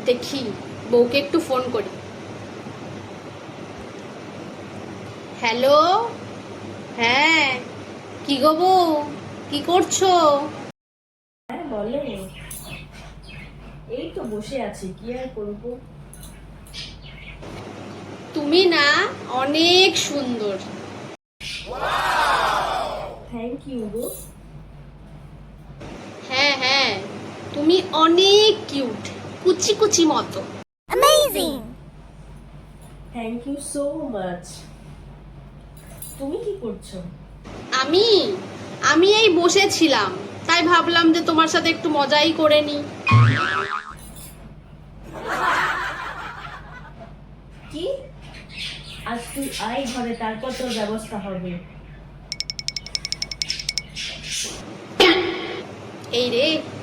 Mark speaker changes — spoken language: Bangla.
Speaker 1: দেখি বউকে একটু ফোন করি। হ্যালো, হ্যাঁ, কি গো বউ, কি করছো?
Speaker 2: হ্যাঁ বলো। এই তো বসে আছি, কি আর করবো।
Speaker 1: তুমি না অনেক সুন্দর।
Speaker 2: থ্যাংক ইউ গো।
Speaker 1: হ্যাঁ হ্যাঁ, তুমি অনেক কিউট, কুচি কুচি মতো।
Speaker 2: Thank you so much. তুমি কি করছো?
Speaker 1: আমি আমি এই বসেছিলাম, তাই ভাবলাম যে তোমার সাথে একটু মজাই করে নি।
Speaker 2: কি? আজ তুই আয় ঘরে, তারপর তোর ব্যবস্থা হবে।
Speaker 1: এই রে,